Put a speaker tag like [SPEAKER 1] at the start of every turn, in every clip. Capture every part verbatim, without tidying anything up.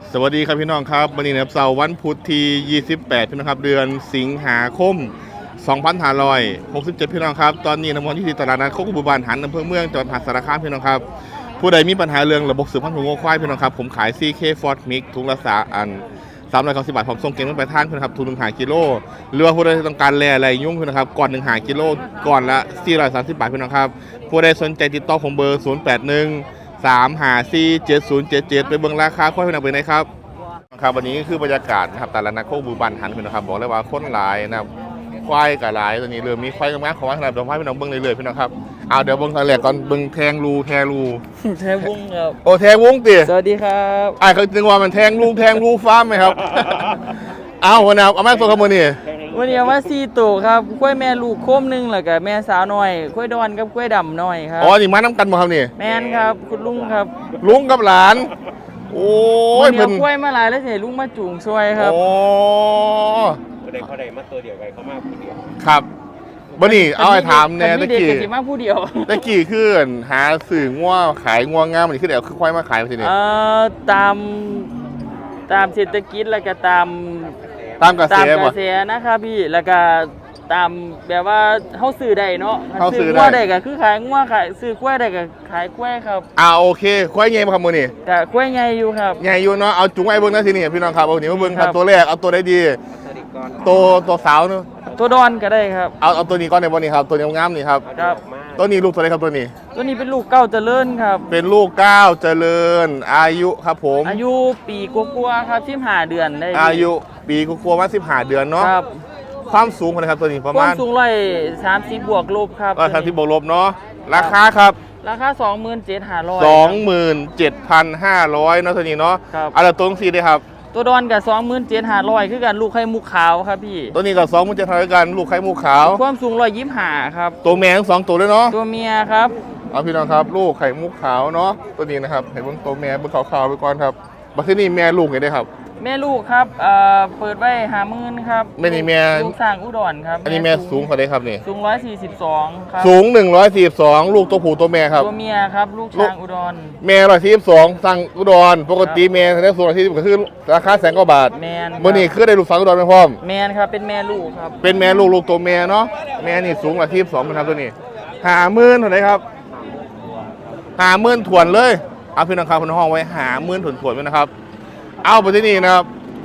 [SPEAKER 1] สวัสดีครับพี่น้องครับวันนี้นะครับเสาร์วันพุธที่ยี่สิบแปดพี่น้องครับเดือนสิงหาคมสองพันห้าร้อยหกสิบเจ็ดพี่น้องครับตอนนี้น้ำมันที่ตลาดนัดโคกบุบานหันอำเภอเมืองจังหวัดมหาสารคามพี่น้องครับผู้ใดมีปัญหาเรื่องระบบสืบพันธุ์ของงัวควายพี่น้องครับผมขาย ซี เค Ford Mix ถุงละสาอันสามร้อยเก้าสิบบาทผมส่งเก่งไปทานพี่น้องครับทุนหนึ่งหากิโลหรือว่าผู้ใดต้องการแร่อะไรยุ่งพี่น้องครับก่อนหนึ่งหากิโลก่อนละสี่ร้อยสามสิบบาทพี่น้องครับผู้ใดสนใจติดต่อผมเบอร์ศูนย์แปดหนึ่งสามห้าสี่เจ็ดศูนย์เจ็ดเจ็ดไปเบิ่งราคาควายพี่น้องไปไหนครับครับวันนี้คือบรรยากาศนะครับแต่ละนักโคกบูบันหันพี่น้องครับบอกเลยว่าคนหลายนะครับควายกับหลายตัวนี้เริ่มมีควายกับแม่ของว่าขนาดตัวควายพี่น้องเบิ่งเรื่อยๆพี่น้องครับเอาเดี๋ยวเบิ่งทางแรกก่อนเบิ่งแทงรูแทงรู
[SPEAKER 2] แทงวุ้งครับ
[SPEAKER 1] โอ้แทงวงติ
[SPEAKER 2] สวัสดีครับ
[SPEAKER 1] ไอ้เขาจึงว่ามันแทงรูแทงรูฟาร์มไหมครับ เอาวันนี้เอาแม่ตัวขโมยนี่
[SPEAKER 2] วันนี้เอามาสี่ตัวครับกล้วยแม่ลูกโคมหนึงแล้วก็แม่สาวน้อยกล้วยดอนกับกล้วยดำน้อยครับ
[SPEAKER 1] อ๋อนี่มาน้ำกันบ่ครับนี่
[SPEAKER 2] แม่นครับคุณลุงครับ
[SPEAKER 1] ลุงกับหลานโอ้ย
[SPEAKER 2] วันนี้
[SPEAKER 1] เพิ่
[SPEAKER 2] เอา
[SPEAKER 1] น
[SPEAKER 2] กล้วยมาหลายแล้วสิให้ลุงมาจูงช่วยครับ
[SPEAKER 1] โอ้
[SPEAKER 3] คนใดเขาใดมาตัวเดียวกันเขามาคนเดียว
[SPEAKER 1] ครับบ่นี่เอาไอ้ถามแน่
[SPEAKER 2] ตะ
[SPEAKER 1] ตะ
[SPEAKER 2] กี้
[SPEAKER 1] กี้
[SPEAKER 2] เด็กกับสิมาผู้เดียว
[SPEAKER 1] ตะกี้คือหาสื่อง่วขายง่วงามมันคือเดี๋ยวคือควายมาขายมาทีนี้
[SPEAKER 2] เอ่อตามตามเศรษฐกิจแล้วก็ตาม
[SPEAKER 1] ตามกระแส
[SPEAKER 2] ตามก
[SPEAKER 1] บ่
[SPEAKER 2] ระแสนะครับพี่แล้วก็ตามแบบว่าเฮาซื้อได้เนาะ
[SPEAKER 1] เฮาซื้อได้
[SPEAKER 2] งัวได้ก็คือขายงัวขายซื้อกล้วยได้ก็ขายกล้วยครับ
[SPEAKER 1] อ่าโอเคควายใหญ่บ่ครับมื้อนี้
[SPEAKER 2] ก็กล้วยใหญ่อยู่ครับ
[SPEAKER 1] ใหญ่อยู่เนาะเอาจุงไว้เบิ่งนะทีนี้พี่น้องครับเอาหนีมาเบิ่งครับ
[SPEAKER 2] ครับ
[SPEAKER 1] ตัวแรกเอาตัวได้ดี
[SPEAKER 3] สวัสดีก่อน
[SPEAKER 1] ตัวตัวสาวเนาะ
[SPEAKER 2] ตัวดอนก็ได้ครับ
[SPEAKER 1] เอาเอาตัวนี้ก่อนในวันนี้ครับตัวนี้งามนี่ครับ
[SPEAKER 2] ครับ
[SPEAKER 3] มา
[SPEAKER 1] ตัวนี้ลูกตัวไหนครับตัวนี้
[SPEAKER 2] ตัวนี้เป็นลูกเก้าเจริญครับ
[SPEAKER 1] เป็นลูกเก้าวเจริญอายุครับผม
[SPEAKER 2] อายุปีกว่าๆครับสิบห้าเดือนได้
[SPEAKER 1] อายุปีกลัวๆมาสิบห้าเดือนเนาะ
[SPEAKER 2] ครับ
[SPEAKER 1] ความสูงคนนะครับตัวนี้ประ
[SPEAKER 2] ควา
[SPEAKER 1] มาณ
[SPEAKER 2] มสูงร้อยสามสิบบวกลบครับ
[SPEAKER 1] ก็ทำที่บวกลบเนาะราคาครับ
[SPEAKER 2] ราคาสองหมื่นเจ็ดห้าร้อย
[SPEAKER 1] สองหมื่นเจ็ดพันห้าร้อยเนาะตัวนี้เนาะ
[SPEAKER 2] ครับ
[SPEAKER 1] เอาละตัวนี้ได้ครับ
[SPEAKER 2] ตัวดอนกับสองหมื่นเจ็ดห้าร้อยคือกันลูกไข่มุกขาวครับพี่
[SPEAKER 1] ตัวนี้กับสองมันจะทำด้วยกันลูกไข่มูขาว
[SPEAKER 2] ความสูงร้อยยี่สิบห้าครับ
[SPEAKER 1] ตัวแม่ทั้งสองตัวเลยเนาะ
[SPEAKER 2] ตัวเมียครับ
[SPEAKER 1] เอาพี่น้องครับลูกไข่มุกขาวเนาะตัวนี้นะครับเห็นบนตัวแม่บนขาวๆไปก่อนครับบัดที่นี่แม่ลูกไงได้ครับ
[SPEAKER 2] แม่ลูกครับเอ่อเปิดไว้หาหมื่นครับ
[SPEAKER 1] แม่นี่แม่
[SPEAKER 2] ลูกสร้างอุดรครับ
[SPEAKER 1] อันนี้แม่สูงกว่าได้ครับนี่
[SPEAKER 2] สูงร้อยสี่สิบสองครับ
[SPEAKER 1] สูงหนึ่งร้อยสี่สิบสองลูกตัวผู้ตัวแม่ครับ
[SPEAKER 2] ตัวเมียครับลูกช้างอุดร
[SPEAKER 1] แม่ร้อยสี่สิบสองสั่งอุดรปกติแม่แสดงสูงร้อยสี่สิบก็คือราคาแสนกว่าบาท
[SPEAKER 2] แมนครับ
[SPEAKER 1] เมื่อนี้คือได้ลูกสาวอุดรไปพร้อม
[SPEAKER 2] แมนครับเป็นแม่ลูกครับ
[SPEAKER 1] เป็นแม่ลูกลูกตัวแม่เนาะแม่นี่สูงร้อยสี่สิบสองนะครับตัวนี้หาหมื่นเท่าไหร่ครับหาหมื่นถ่วนเลยเอาพี่น้องครับคุณห้องไว้หาหมื่นถ่วนถ่วนๆไว้นะครับ เอาไปที่นี่นะครับ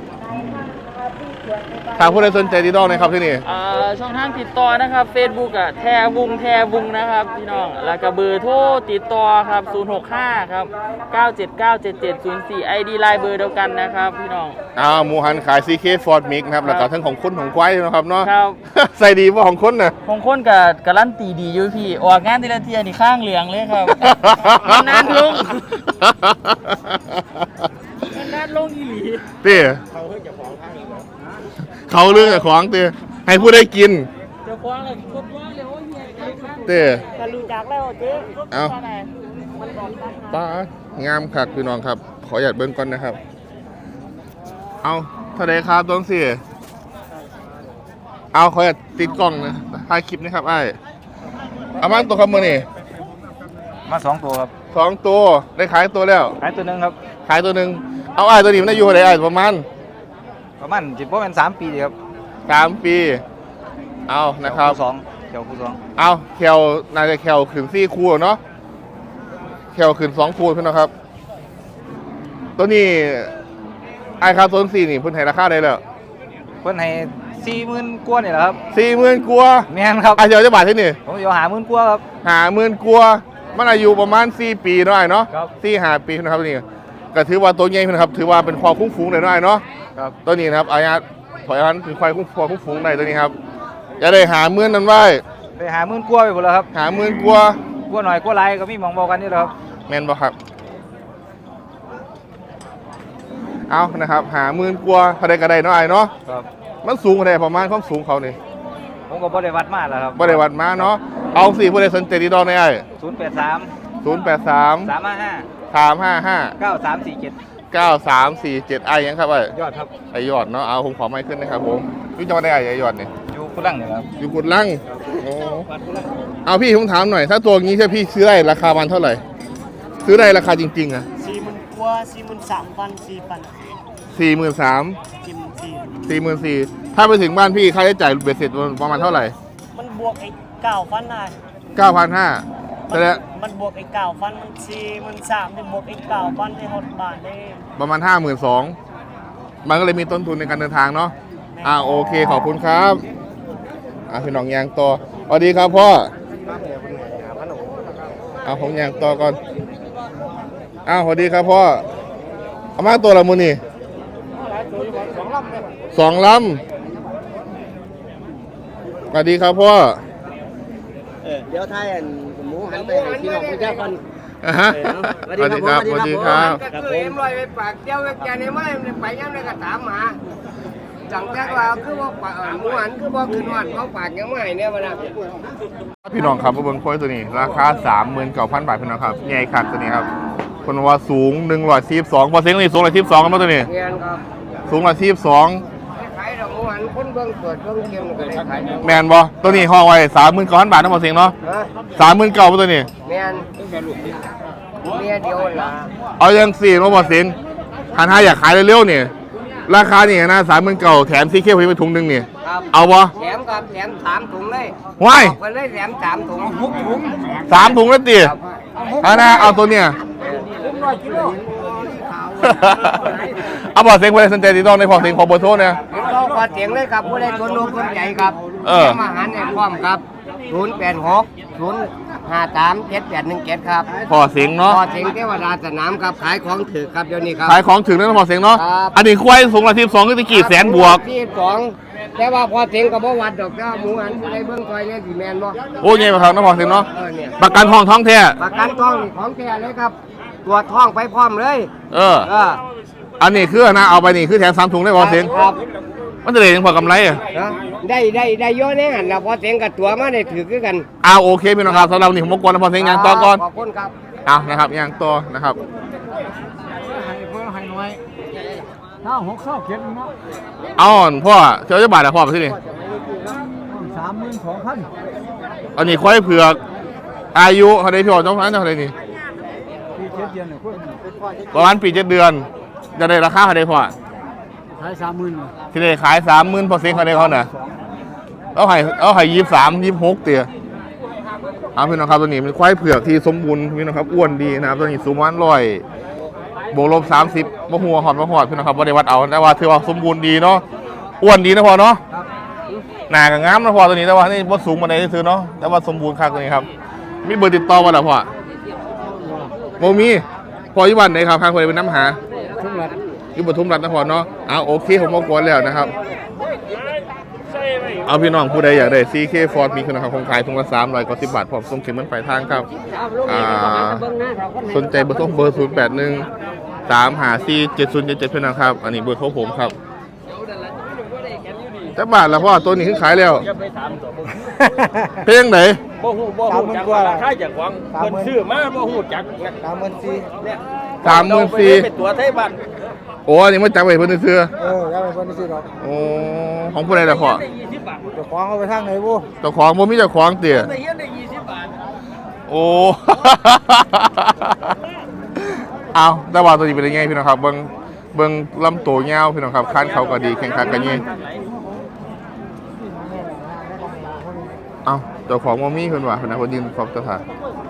[SPEAKER 1] ทางผู้ใดสนใจดีดองนะครับที่นี่
[SPEAKER 2] เอ่อช่องทางติดต่อนะครับ Facebook อ่ะแทวุงแทวุงนะครับพี่น้องแล้วก็เบอร์โทรติดต่อครับศูนย์หกห้าครับเก้าเจ็ดเก้าเจ็ดเจ็ดศูนย์สี่ ไอ ดี ไลน์เบอร์เดียวกันนะครับพี่น้อง
[SPEAKER 1] อ้าวหมูหันขาย ซี เค Ford Mix นะครับแล้วก็ทั้งของคนของควายนะครับเนาะ
[SPEAKER 2] ครับ
[SPEAKER 1] ใส่ดีว่าของคนน่ะ
[SPEAKER 2] ของคนกับการันตีดีอยู่พี่ออกงานทีละเทียนี่ข้างเหลืองเลยครับ นานลง มันนัดลงอีหลี
[SPEAKER 1] เต้เขาเรื่องจากของเต้ให้ผู้ได้กิน
[SPEAKER 2] เจ้าของเลยคนว่าเลยโอ้ยเฮีย
[SPEAKER 1] เต้
[SPEAKER 2] จะรู้จักแล้วเจ๊
[SPEAKER 1] เอาป้างามคักพี่น้องครับ ขอหยัดเบิ้งก่อนนะครับ เอาเท่าไรครับต้องสิเอาขอหยัดติดกล้องนะถ่ายคลิปนะครับไอ้เอามาตัวครับมือนี่
[SPEAKER 3] มาสองตัวครับ
[SPEAKER 1] สองตัวได้ขายตัวแล้ว
[SPEAKER 3] ขายตัวหนึ่งครับ
[SPEAKER 1] ขายตัวหนึ่งเอาไอ้ตัวนี้มันได้อยู่เท่าไหร่ไอ้ประมาณ
[SPEAKER 3] ประมาณจิบประมาณสามปีดีครับ
[SPEAKER 1] สามปี เอานะครับ
[SPEAKER 3] สองเกี่ยวคู่สอง
[SPEAKER 1] เอาแควน่าจะแควขึ้นซี่คู่เนาะแควขึ้นสองคู่พี่น้องครับ ตัวนี้ไอ้คาโซนสี่นี่เพิ่นให้ราคาได้แล้ว
[SPEAKER 3] เพิ่นให้สี่หมื่นกว่านี่แหละครับ
[SPEAKER 1] สี่หมื่นกัวา
[SPEAKER 3] แม่นครับ
[SPEAKER 1] ไอ้เจ้าจะบาทที่นี่
[SPEAKER 3] ผมจะหาหมื่นกว่าครับ
[SPEAKER 1] หาหมื่นกัวามันอายุประมาณสี่ปีเนาะไอ้เนาะ
[SPEAKER 3] ครับ
[SPEAKER 1] สี่ห้าปีนะครับนี่ก็ถือว่าตัวใหญ่นะครับ ถือว่าเป็นควายคุ้งฟูงเลยเนาะไอ้เนาะ
[SPEAKER 3] ครับ
[SPEAKER 1] ตัวนี้นะครับอาญาถอยอันคือควายคุ้งควายคุ้งฟูงได้ตัวนี้ครับจะได้หาหมื่นนั้นไว้
[SPEAKER 3] ไปหาหมื่นกว่าไปหมดแล้วครับ
[SPEAKER 1] หาหมื่นกัวา
[SPEAKER 3] กว่าหน่อยกว่าไรก็มีหมองบอกกันนี่แหละครับ
[SPEAKER 1] แมนบ่ครับ เอานะครับ หาหมื่นกว่าเท่าใดก็ได้เนาะไอ้เนาะ
[SPEAKER 3] ครับ
[SPEAKER 1] มันสูงเท่าใดประมาณความสูงเขานี่
[SPEAKER 3] ผมก็บ่ได้วัดมาแล้วครับ
[SPEAKER 1] บ่ได้วัดมาเนาะ เอาสี่บ่ได้สนใจดีดอกในไอ้
[SPEAKER 3] ศูนย์แปดสาม
[SPEAKER 1] ศูนย์แปดสาม
[SPEAKER 3] สามห้าห้า
[SPEAKER 1] สามห้าห้า
[SPEAKER 3] เก้าสามสี่เจ็ด
[SPEAKER 1] เก้าสามสี่เจ็ดไอ้ยังครับไอ้
[SPEAKER 3] ยอดครับ
[SPEAKER 1] ไอ้ยอดเนาะ เอาผมขอไม่ขึ้นนะครับผมพี่จะมาได้ไอ้ไอ้ยอดนี่
[SPEAKER 3] อยู่กุลังนี่แหละครับ
[SPEAKER 1] อยู่กุดลังโอ้
[SPEAKER 3] วัดกุลัง
[SPEAKER 1] เอาพี่ผมถามหน่อย ถ้าตัวนี้ถ้าพี่ซื้อได้ราคามันเท่าไหร่ ซื้อได้ราคาจริงๆอะ
[SPEAKER 2] สี่หมื่นกว่า
[SPEAKER 4] สี่หมื่นสามพันสี่พัน
[SPEAKER 1] สี่หมื่นสาม
[SPEAKER 4] จิมสี่
[SPEAKER 1] สี่หมื่นสี่ถ้าไปถึงบ้านพี่ค่าใช้จ่ายเบ็ดเสร็จประมาณเท่าไหร่
[SPEAKER 4] มันบวกไอ้เก้าพันได้
[SPEAKER 1] เก้าพันห้าแต่ละ
[SPEAKER 4] มันบวกไอ้เก้าพันมันสี่หมื่นสามได้บวกไอ้เก้าพันได้หกบาทได้
[SPEAKER 1] ประมาณห้าหมื่นสองมันก็เลยมีต้นทุนในการเดินทางเนาะอ่าโอเคขอบคุณครับอ่าพี่น้องยางต่อสวัสดีครับพ่อเอาผมยางต่อก่อนอ้าวสวัสดีครับพ่อเอามาตัวละมือนี่สองลำสวัสดีครับพ่อ
[SPEAKER 4] เดี๋ยวไทยหมูหันไปให้พี่น้องประชาชน
[SPEAKER 1] อ่าฮะสวัสดีครับสวัสดีครับ
[SPEAKER 4] ก็คือเอ็มลอยไปปากเจ้าแกในไม้ไปยังในกระถามหาจังแจ้งว่าคือว่าปากหมูหันคือว่าคืนวันเขาปากยังไม่เนี่ยมันนะ
[SPEAKER 1] พี่น้องครับมาเบิ้งควายตัวนี้ราคาสามหมื่นเก้าพันบาทพี่น้องครับใหญ่คักตัวนี้ครับคนว่าสูงหนึ่งร้อยสี่สิบสองพอเซ็งนี่สูงร้อยสี่สิบสองกันมาตัวนี้
[SPEAKER 4] เรียนครับ
[SPEAKER 1] สูงร้อยสี่สิบสอง
[SPEAKER 4] ขายดอกหมูหันคนเบิ่งเปิดเบิ่งเกมก็ได้ขาย
[SPEAKER 1] แมนบ่ตัวนี้ห้องไว้สามหมื่นเก้าพันบาทนะพอเซ็งเนาะ
[SPEAKER 4] ฮะ
[SPEAKER 1] สามหมื่นเก้าตัวนี้
[SPEAKER 4] แม่นเมียเดียวล่ะ
[SPEAKER 1] เอายังสี่มาพอเซ็งหันห้าอยากขายเร็วๆนี่ราคานี่นะสามหมื่นเก้าแถมซีเคไปถุงหนึ่งนี่
[SPEAKER 4] ครับ
[SPEAKER 1] เอาบ่
[SPEAKER 4] แถมครับแถมสามถุงเลย
[SPEAKER 1] ว้าย
[SPEAKER 4] บอกไปเลยแถมสามถุงหกถุง
[SPEAKER 1] สามถุงแล้วตีเอานะเอาตัวเนี่ย
[SPEAKER 4] ถุงร้อยกิโล
[SPEAKER 1] เอาพอเซ็งไปสนใจติดต่อในพอเซ็งขอเบอร์โทรเนี่ย
[SPEAKER 4] เห็นก็ขอเสียงเลยครับผู้ใดตัวโน้มคนใหญ่ครับ
[SPEAKER 1] เออ
[SPEAKER 4] แถมอาหารในพร้อมครับศูนย์แปดหกศูนย์ห้าสามเจ็ดแปดหนึ่งเจ็ดครับ
[SPEAKER 1] พอเซ็งเนาะ
[SPEAKER 4] พอเสียงเทวดาสนามครับขายของถือครับเดี๋ยวนี้ครับ
[SPEAKER 1] ขายของถึงแล้วนะพอเซ็งเนาะ
[SPEAKER 4] ครับ
[SPEAKER 1] อันนี้ควายสูงร้อยสี่สิบสองก็ตะกี้แสนบวก
[SPEAKER 4] ที่สองแต่ว่าพอเสียงกับบ่วัดดอกเจ้าหมูหันผู้ใดเบิ่งคอยเนี่ยสิแมนบ่
[SPEAKER 1] โอ้ยไงมาครับน้องพอเซ็งเนาะ
[SPEAKER 4] เออเนี่ย
[SPEAKER 1] ประกันทองท้องแท้
[SPEAKER 4] ประกันท้องนี่ของแท้เลยครับตรวจท้องไปพร้อมเลย
[SPEAKER 1] เออ
[SPEAKER 4] เออ
[SPEAKER 1] อันนี้คือนะเอาไปนี่คือแถมสามถุงได้พอเซ็ง
[SPEAKER 4] ครับ
[SPEAKER 1] มันจะได้ยังพอกำไรอ่ะ
[SPEAKER 4] นะได้ได้ได้เยอะแน่หันแล้วพอเสียงกับตัวมาได้ถือคือกัน
[SPEAKER 1] เอาโอเคพี่น้องครับสำหรับวันนี้ผมรบกวนนะพอเซ็งยางต่อก่อน
[SPEAKER 4] ขอบคุณครับ
[SPEAKER 1] เอานะครับยางต่อนะครับ
[SPEAKER 4] เพิ่มให้น้อยถ้าหกเศร้าเขียนเนาะ
[SPEAKER 1] เอาอ่อนพ่อเจ้าจะบาทอะพ่อไปที่นี่
[SPEAKER 4] สามหมื่นสองพัน
[SPEAKER 1] อันนี้ควายเผือกอายุเขาได้พี่อ่อนต้องพันเท่าไหร่นี่
[SPEAKER 4] ปีเจ็ดเดือนเนี่ยคุณ
[SPEAKER 1] ประมาณปีเจ็ดเดือนจะได้ราคาเขาได้พ่อ
[SPEAKER 4] ขายสามหมื่น
[SPEAKER 1] ที่ได้ขายสามหมื่นพอเซ็งเขาได้เขาน่ะเอาให้เอาให้ยี่สามยี่หกเตี๋ยเอาพี่น้องครับตัวนี้เป็นควายเผือกที่สมบูรณ์พี่น้องครับอ้วนดีนะครับตัวนี้สูงวันร้อยบวกลบสามสิบมะหัวหอดมะหอดพี่น้องครับบ่ได้วัดเอาแต่ว่าถือว่าสมบูรณ์ดีเนาะอ้วนดีนะพ่อเนาะหนากับงามนะพ่อตัวนี้แต่ว่านี่บ่สูงมาได้ซื้อเนาะแต่ว่าสมบูรณ์คักตัวนี้ครับมีเบอร์ติดต่อบ่ล่ะพ่อโมมีพ่ออยู่บ้านไหนครับข้างคนเป็นน้ำหา
[SPEAKER 4] ทุกหลัก
[SPEAKER 1] อยู่ปทุมรัฐนครเนาะเอาโอเคผมมากวนแล้วนะครับเอาพี่น้องผู้ใดอยากได้ ซี เค Ford มีคุณภาพคงขายถุงละสามร้อยกว่าสิบบาทพร้อมส่งถึงมันปลายทางครับอ่าสนใจเบอร์โทรเบอร์ศูนย์แปดหนึ่งสามห้าสี่เจ็ดศูนย์เจ็ดเจ็ดเพื่อนนะครับอันนี้เบอร์โทรผมครับจักบาทละพ่อตัวนี้ขึ้นขายแล้ว
[SPEAKER 3] อย่าไปถามตัว
[SPEAKER 1] เพลงไหน
[SPEAKER 3] บ่ฮู้บ่ฮู้จักว่าราคาจากหวังเพิ่นซื้อมาบ่ฮู้จักนะ
[SPEAKER 4] สามหมื่นสี่
[SPEAKER 3] เนี่ย
[SPEAKER 1] สามหมื่นสี่
[SPEAKER 3] เป็นตัวไทยบ้าน
[SPEAKER 1] โอ้อันนี้มาจับไว้เพื่อนซื้อ
[SPEAKER 4] เออแล้วเป็นคนที่ซื้อหรอก
[SPEAKER 1] โอ้ของผู้ใดล่ะพ่อ
[SPEAKER 3] ได้ยี่สิบบาท
[SPEAKER 4] จะคว้างเอาไปทางไหนบุ
[SPEAKER 1] เจ้าของบ่มีเจ้าของเตี๋ย
[SPEAKER 3] ได้เฮียนได้ยี่สิบบาท
[SPEAKER 1] โอ้ เอาแต่ว่าตัวนี้เป็นยังไงพี่น้องครับ เบิ้งเบิ้งลำตัวเงาวพี่น้องครับคันเขาก็ดีแข่งขันกันยี่เอาเจ้าของมอมี่คนว่าคนนั้นคนยืนขอบสถาน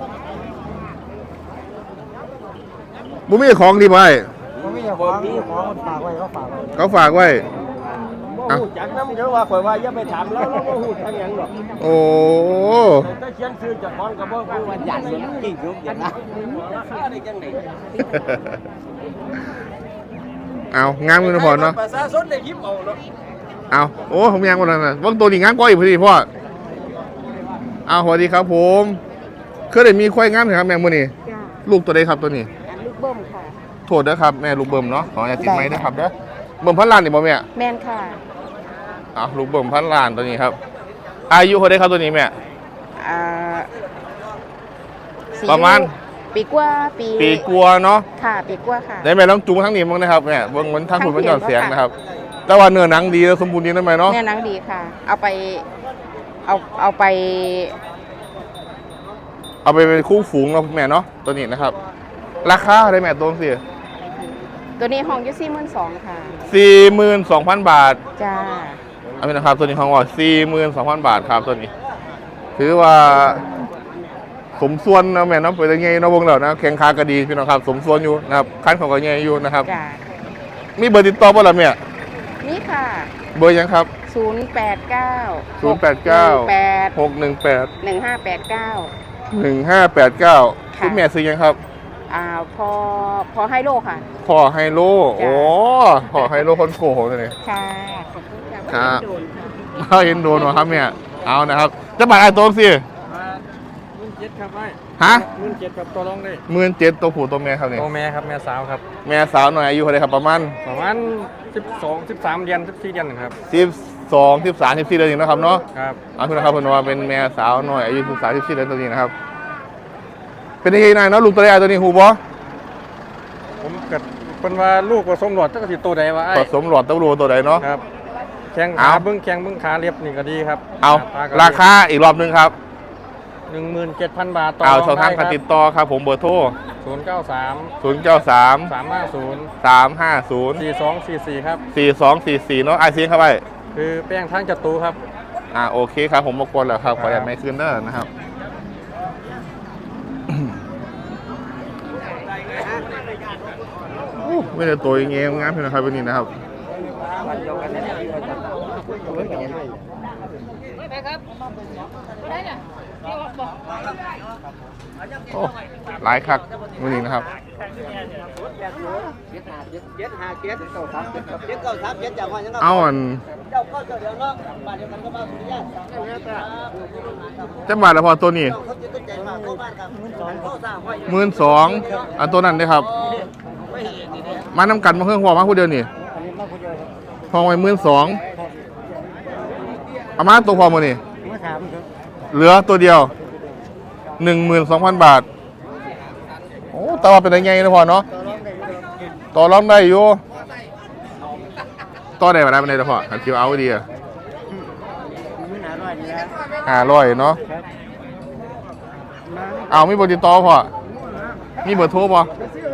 [SPEAKER 1] บุมีของดีไหม
[SPEAKER 4] มันไม่อยากคว้างของมันฝากไว้ก็ฝากไว้
[SPEAKER 1] เขาฝากไว้
[SPEAKER 3] บ่ฮู้จักนำเด้อว่าข่อยว่าอย่าไปถามแล้วเราบ่ฮู้จักหยังหรอก
[SPEAKER 1] โอ้
[SPEAKER 3] ถ้าเขียนชื่อเจากของก็บ่ฮู้ว่าจักอย่างจริงอยู่อย่างนะราคาได้จังได๋
[SPEAKER 1] เอางามมือนะพ่อเนาะ
[SPEAKER 3] ประชาชนได้ยิบเอาเนาะ
[SPEAKER 1] เอาโอ้ผมยังวันนั้นนะว่างตัวนี้งามกว่าอีกพอดีพ่อเอาสวัสดีครับผมเคยได้มีควายงามไหมครับแม่มือนี่ลูกตัวใดครับตัวนี้
[SPEAKER 5] ลูกเบิ้มค่ะ
[SPEAKER 1] โทษนะครับแม่ลูกเบิ่มเนาะขออย่าติดไม้นะครับเด้อเบิ่มพันล้านนี่บ่แม่
[SPEAKER 5] แมนค่ะ
[SPEAKER 1] อ้าวลูกเบิ่มพันล้านตัวนี้ครับ อายุเขาได้ครับตัวนี้แม่
[SPEAKER 5] อ่าสี่
[SPEAKER 1] ประมาณ
[SPEAKER 5] ปีกว่าปี
[SPEAKER 1] ปีกลัวเนาะ
[SPEAKER 5] ค่ะ ปีกว่าค่ะ
[SPEAKER 1] ได้แม่ลองจูงทั้งนี้มั้งนะครับแม่เบิ่งมันทั้งหุ่นมันหย่อนเสียงนะครับ แต่ว่าเนื้อหนังดีแล้วสมบูรณ์ดีนะแม่เนาะ
[SPEAKER 5] แม่นังดีค่ะ เอาไป เอาเอาไป
[SPEAKER 1] เอาไปเป็นคู่ฝูงเราะแม่เนาะตัวนี้นะครับ ราคาได้แม่ตัวสิ
[SPEAKER 5] รตัวนี้ห้องอยู่สี่หมื่นสองค่ะ
[SPEAKER 1] สี่หมื่นสองพันบาท
[SPEAKER 5] จ้า
[SPEAKER 1] เอาเป็นนะครับตัวนี้ห้องว่าสี่หมื่นสองพันบาทครับตัวนี้ ถือว่าสมส่วนนะแม่น้ำเปิดยังไงนะวงเรานะแข่งขากระดีพี่น้องครับสมส่วนอยู่นะครับคันของกระเงยอยู่นะครับ
[SPEAKER 5] จ้า
[SPEAKER 1] มีเบอร์ติดต่อบ่ล่ะแม่
[SPEAKER 5] นี่ค่ะ
[SPEAKER 1] เบอร์ยังครับ
[SPEAKER 5] ศูนย์แปดเก้า
[SPEAKER 1] ศูนย์แปดเก้า
[SPEAKER 5] แปด
[SPEAKER 1] หกหนึ่งแปด
[SPEAKER 5] หนึ่งห้าแปดเก้า
[SPEAKER 1] หนึ่งห้าแปดเก้า
[SPEAKER 5] ค่ะ
[SPEAKER 1] คุณแม่ซื้อยังครับ
[SPEAKER 5] อ่าพอพอให้โลค่ะ
[SPEAKER 1] ขอไฮโล
[SPEAKER 5] จ้ะ
[SPEAKER 1] โอ้ขอไฮโลคนโกโหเลย
[SPEAKER 5] ค่ะขอบคุณค่ะ
[SPEAKER 1] ครับ
[SPEAKER 5] โดนค่ะ
[SPEAKER 1] มาเห็นโดนวะครับเนี่ยเอานะครับจะบาดไอ้ตัวสิ
[SPEAKER 3] หมื่นเจ็ดครับไอ้
[SPEAKER 1] ฮะ
[SPEAKER 3] หมื่นเจ็ดครับตัวรองได้
[SPEAKER 1] หมื่นเจ็ดตัวผู้ตัวแม่ครับเนี่ย
[SPEAKER 3] โตแม่ครับแม่สาวครับ
[SPEAKER 1] แม่สาวหน่อยอายุเท่าไหรครับประมาณ
[SPEAKER 3] ประมาณสิบสองสิบสามเดือนสิบสี่เดือนครับ
[SPEAKER 1] สิบสองสิบสามสิบสี่เดือนเองนะครับเนาะ
[SPEAKER 3] ครับ
[SPEAKER 1] เอาคุณนะครับคุณว่าเป็นแม่สาวหน่อยอายุสิบสามสิบสี่เดือนตัวนี้นะครับ เป็นยังไงนายเนาะลูกตัวแรกตัวนี้หูบอ
[SPEAKER 3] ผมเกิดเป็นว่าลูกผสมหลอดตั้งแต่โตใดวะไอ้
[SPEAKER 1] ผสมหลอดเต้ารูตัวใดเนาะ
[SPEAKER 3] ครับแข้ง
[SPEAKER 1] เอา
[SPEAKER 3] ขาเบิ้งแข้งเบิ้งขาเรียบนี่ก็ดีครับ
[SPEAKER 1] เอา
[SPEAKER 3] ตก็ดี
[SPEAKER 1] ราคาอีกรอบหนึงครับ
[SPEAKER 3] หนึ่งหมื่นเจ็ดพันบาทต่อ
[SPEAKER 1] เอาช่องทางการติดต่อครับผมเบอร์โทร
[SPEAKER 3] ศูนย์เก้าสาม
[SPEAKER 1] ศูนย์เก้าสาม
[SPEAKER 3] สามห้าศูนย์
[SPEAKER 1] สามห้าศูนย์
[SPEAKER 3] สี่สองสี่สี่ครับ
[SPEAKER 1] สี่สองสี่สี่เนาะไอซีเข้าไป
[SPEAKER 3] คือแป้งทั้งจัตุครับ
[SPEAKER 1] อ่าโอเคครับผมรบกวนแล้วครับขออย่าไม่คืนเด้อนะครับโอ้ไม่ได้ตัวอย่างเงี้ยงามเพียงนะครับวันนี้นะครับ โอ้หลายคักวันนี้นะครับ
[SPEAKER 4] เจ็ดห้าเจ็ดเก้าสามเจ็ดเจ็ดเก้าสามเจ็ดจากวันยัง
[SPEAKER 1] เอาอัน
[SPEAKER 4] เจ้าเข้าเจ้าเดียวเนาะบ้านเดียวกันก็มาสุริยะ
[SPEAKER 1] จะบาทละพอตัวนี้
[SPEAKER 4] เขาจิตใจมากเข้าบ้านครับเข้าสร้างไว้
[SPEAKER 1] หมื่นสองอันตัวนั้นเลยครับ มาน้ำกันมาเครื่องหัวมาผู้เดียวนี่พอไว้หมื่นสองเอามาตัวพอมานี่เหลือตัวเดียวหนึ่งหมื่นสองพันบาทโอ้แต่ว่าเป็นยังไงนะพอเนาะต่อรองได้อยู่ต่อได้มาได้มาได้นะพอขันคิวเอาดีอะห้าร้อยเนาะเอามีเบอร์ติดต่อพอมีเบอร์โทรป่ะ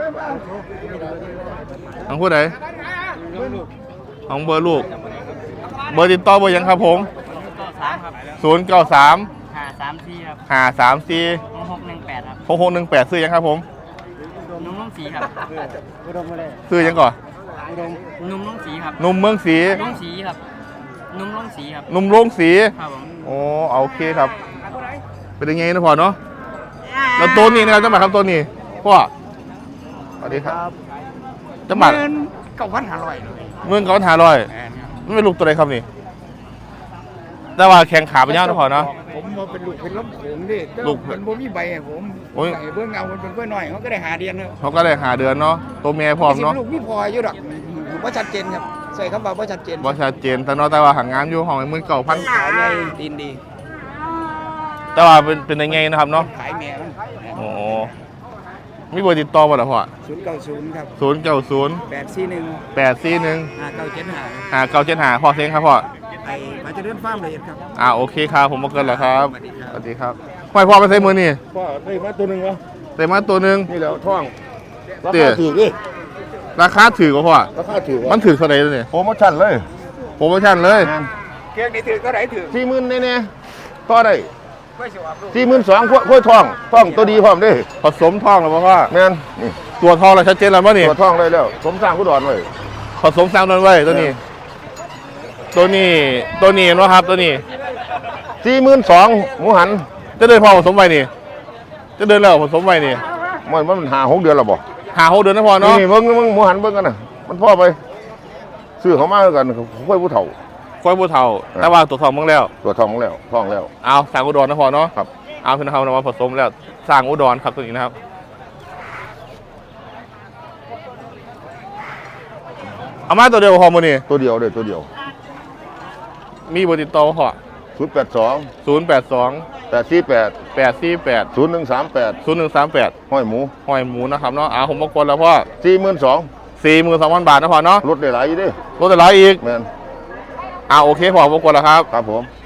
[SPEAKER 1] ของผู้ใดของเบอร์ลูก เบอร์ติดต่อเบอร์ยังครับผม
[SPEAKER 2] สามครับ
[SPEAKER 1] ศูนย์เก้าสาม
[SPEAKER 2] หาสามสี่ครับ
[SPEAKER 1] ห้าสามสี่
[SPEAKER 2] หกหนึ่งแปดครับ
[SPEAKER 1] หกหกหนึ่งแปดซื้อยังครับผม
[SPEAKER 2] นุ่มนุ่มสีครับ
[SPEAKER 1] ซื้อยังก่อน
[SPEAKER 2] นุ่มนุ่มสีครับ
[SPEAKER 1] นุ่มเมืองสี
[SPEAKER 2] นุ่มสีครับ นุ่มนุ่มสีครับ
[SPEAKER 1] นุ่มโล่งสี
[SPEAKER 2] ครับผม
[SPEAKER 1] โอ้เอาโอเคครับ เป็นยังไงนะพ่อเนาะแล้วตัวนี้นะครับเจ้าหมาครับตัวนี้พ่อสวัสดีครับเจ้าหมา
[SPEAKER 4] เก้าพันห้าร้อย
[SPEAKER 1] เมืองเขาหาร้อยมันเป็นลูกตัวไหนครับนี่ แต่ว่าแข่งขาเป็นยาวนะพ่อเนาะ
[SPEAKER 4] ผมมาเป็นลูกเป็นล้มโขงดิ
[SPEAKER 1] ลูก
[SPEAKER 4] มันบ่มีใบให้ผม
[SPEAKER 1] โอ้ย
[SPEAKER 4] ใส่เบื้องเงามันเป็นเพื่อนหน่อยเขาก็ได้หาเดียนครับ
[SPEAKER 1] เขาก็เลยหาเดือนเนาะตัวเมียพร้อมเนาะ
[SPEAKER 4] ลูกมีพออยู่ดอกว่าชัดเจนครับใส่คำว่าว่าชัดเจน
[SPEAKER 1] ว่าชัดเจนแต่เนาะแต่ว่าหางงานอยู่ห้องมือเก่าพัน
[SPEAKER 4] ขายใหญ่ตีนดี
[SPEAKER 1] แต่ว่าเป็นเป็นยังไงนะครับเนาะ
[SPEAKER 4] ขายแม่มัน
[SPEAKER 1] โอ้มีเบอร์ติดต่อบ่ล่ะพ่อ
[SPEAKER 4] ศูนย์เก้าศูนย์ครับ
[SPEAKER 1] ศูนย์เก้าศูนย์
[SPEAKER 4] แปดสี่หนึ่ง
[SPEAKER 1] แปดสี่หนึ่ง
[SPEAKER 4] ห้าเก้าเจ็ดห้า
[SPEAKER 1] หาเก้าเจ็ดหาพ่อเซ็งครับพ่อ
[SPEAKER 4] ไอ้มาจะเดินฟาร์มละเอียดครับ
[SPEAKER 1] อ่าโอเคครับผมมาเกินแล้วครับสวัสดีครับพ่อพ่อไปใส่มือนี่
[SPEAKER 3] พ่อได้มาตัวหนึ่งวะ
[SPEAKER 1] ใส่มาตัวหนึ่ง
[SPEAKER 3] นี่แล้วท่องรา
[SPEAKER 1] เตี๋
[SPEAKER 3] คาย ถือเลย
[SPEAKER 1] ราคาถือกว่าพ่อ
[SPEAKER 3] ราคาถือ
[SPEAKER 1] มันถือเท่าไหร่ตัวนี้
[SPEAKER 3] โปรโมชั่นเลย
[SPEAKER 1] โปรโมชั่นเลย
[SPEAKER 4] เกียงนี่ถือก็ไหนถือ
[SPEAKER 3] สี่หมื่นแน่ๆต่อได้
[SPEAKER 4] ไม่สิว่าลูก
[SPEAKER 3] สี่หมื่นสองขั้วท่องท่องตัวดีพร้อมเด้
[SPEAKER 1] ผสมทองแล้วป่ะพ่อ
[SPEAKER 3] แม่นนี่
[SPEAKER 1] ตัวทองเราชัดเจนแล้วป่ะนี่
[SPEAKER 3] ตัวท่องเลยแล้วสมสร้างผู้ดอนไว้
[SPEAKER 1] ผสมสร้างนวลไว้ตัวนี้ ตัวนี้ตัวนี้เนาะครับตัวนี้
[SPEAKER 3] สี่หมื่นสองหมูหัน
[SPEAKER 1] จะเดินพ่อผสมไว้นี่ จะเดินแล้วผสมไว้นี่
[SPEAKER 3] มันมันหาหกเดือนแล้วบ่
[SPEAKER 1] หาหกเดือนนะพ่อเนาะ
[SPEAKER 3] นี่เบิ่งเบิ่งหมูหันเบิ่งกันน่ะมันพ่อไปซื้อเขามาแล้วกันค่อยผู้เฒ่า
[SPEAKER 1] ค่อยบูเทาแต่ว่าตัวทองมึงแล้ว
[SPEAKER 3] ตัวทองแล้วท่องแล้ว
[SPEAKER 1] เอาสร้างอุดรนะพ่อเนาะ
[SPEAKER 3] ครับ
[SPEAKER 1] เอาคือนะครับว่าผสมแล้วสร้างอุดรครับตัวนี้นะครับ เอามาตัวเดียวพอมือนี่
[SPEAKER 3] ตัวเดียวเด้อตัวเดียว
[SPEAKER 1] มีเบอร์ติดต่อพ่อ
[SPEAKER 3] ศูนย์แปดสอง
[SPEAKER 1] ศูนย์แปดสอง
[SPEAKER 3] แปดสี่แปด
[SPEAKER 1] แปดสี่แปด
[SPEAKER 3] ศูนย์หนึ่งสามแปด
[SPEAKER 1] ศูนย์หนึ่งสามแปด
[SPEAKER 3] ห้อยหมู
[SPEAKER 1] หอยหมูนะครับเนาะเอาผมมากดแล้วพ่อ
[SPEAKER 3] สี่หมื่นสอง
[SPEAKER 1] สี่หมื่นสองพันบาทนะพ่อเนาะ
[SPEAKER 3] ลดได้หลายอยู่เด้
[SPEAKER 1] ลดแต่ร้อยอีก
[SPEAKER 3] แม่น
[SPEAKER 1] อ่าโอเคพ่อผมกดแล้วครับ
[SPEAKER 3] ครับผม